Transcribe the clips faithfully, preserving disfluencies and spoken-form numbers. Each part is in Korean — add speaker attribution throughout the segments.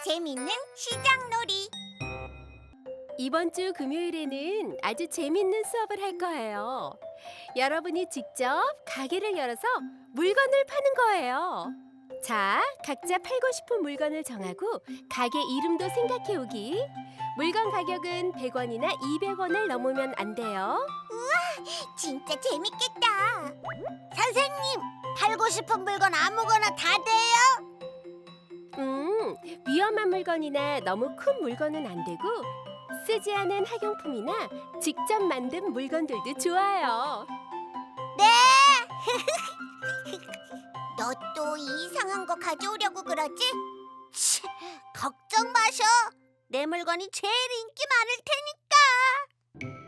Speaker 1: 재밌는 시장놀이.
Speaker 2: 이번 주 금요일에는 아주 재밌는 수업을 할 거예요. 여러분이 직접 가게를 열어서 물건을 파는 거예요. 자, 각자 팔고 싶은 물건을 정하고 가게 이름도 생각해 오기. 물건 가격은 백 원이나 이백 원을 넘으면 안 돼요.
Speaker 1: 진짜 재밌겠다. 선생님, 팔고 싶은 물건 아무거나 다 돼요?
Speaker 2: 음, 위험한 물건이나 너무 큰 물건은 안 되고 쓰지 않은 학용품이나 직접 만든 물건들도 좋아요.
Speaker 1: 너 또 이상한 거 가져오려고 그러지? 치, 걱정 마셔. 내 물건이 제일 인기 많을 테니까.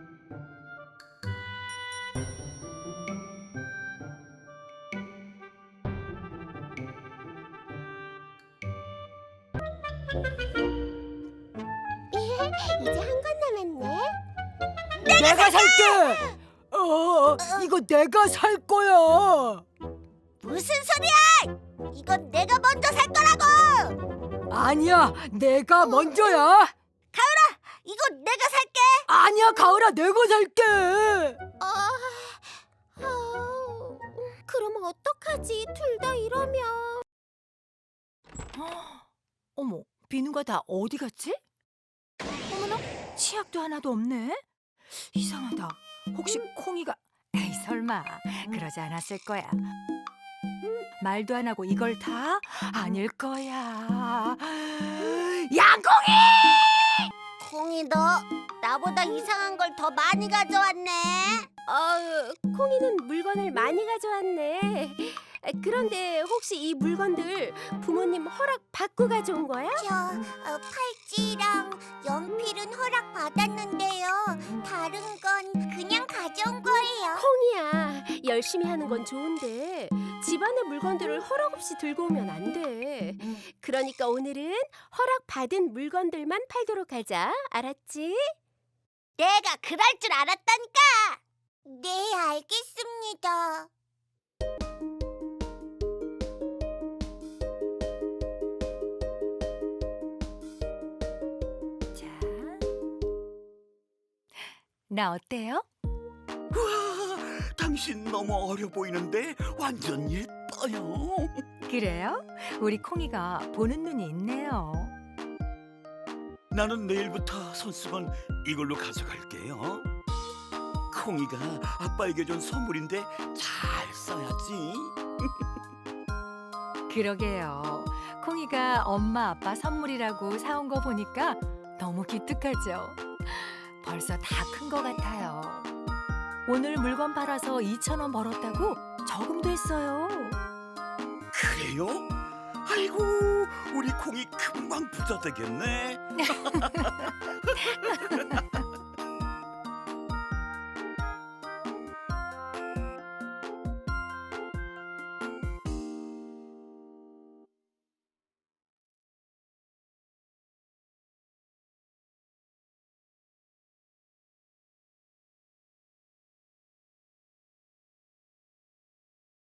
Speaker 1: 이제 한 건 남았네.
Speaker 3: 내가 살게. 어, 이거 내가 살 거야.
Speaker 1: 무슨 소리야? 이건 내가 먼저 살 거라고.
Speaker 3: 아니야, 내가 먼저야.
Speaker 1: 이건 내가 살게.
Speaker 3: 아니야, 가을아, 내가 살게.
Speaker 1: 아, 아, 그럼 어떡하지? 둘 다 이러면.
Speaker 3: 어머, 비누가 다 어디 갔지? 어머나, 치약도 하나도 없네. 이상하다. 혹시 콩이가... 에이, 설마 그러지 않았을 거야. 말도 안 하고 이걸 다? 아닐 거야. 양콩이!
Speaker 1: 콩이 너 나보다 이상한 걸 더 많이 가져왔네.
Speaker 2: 어, 콩이는 물건을 많이 가져왔네. 그런데 혹시 이 물건들 부모님 허락 받고 가져온 거야?
Speaker 1: 저 어, 팔찌랑 연필은 허락 받았는데요. 다른 건 그냥 가져온 거예요.
Speaker 2: 콩이야, 열심히 하는 건 좋은데 집안의 물건들을 허락 없이 들고 오면 안 돼. 그러니까 오늘은 허락 받은 물건들만 팔도록 하자. 알았지?
Speaker 1: 내가 그럴 줄 알았다니까. 네, 알겠습니다.
Speaker 3: 자, 나 어때요?
Speaker 4: 우와, 당신 너무 어려 보이는데 완전 예뻐요.
Speaker 3: 그래요? 우리 콩이가 보는 눈이 있네요.
Speaker 4: 나는 내일부터 손수건 이걸로 가져갈게요. 콩이가 아빠에게 준 선물인데 잘 써야지.
Speaker 3: 그러게요. 콩이가 엄마 아빠 선물이라고 사온 거 보니까 너무 기특하죠. 벌써 다 큰 거 같아요. 오늘 물건 팔아서 이천 원 벌었다고 저금도 했어요.
Speaker 4: 그래요? 아이고, 우리 콩이 금방 부자 되겠네.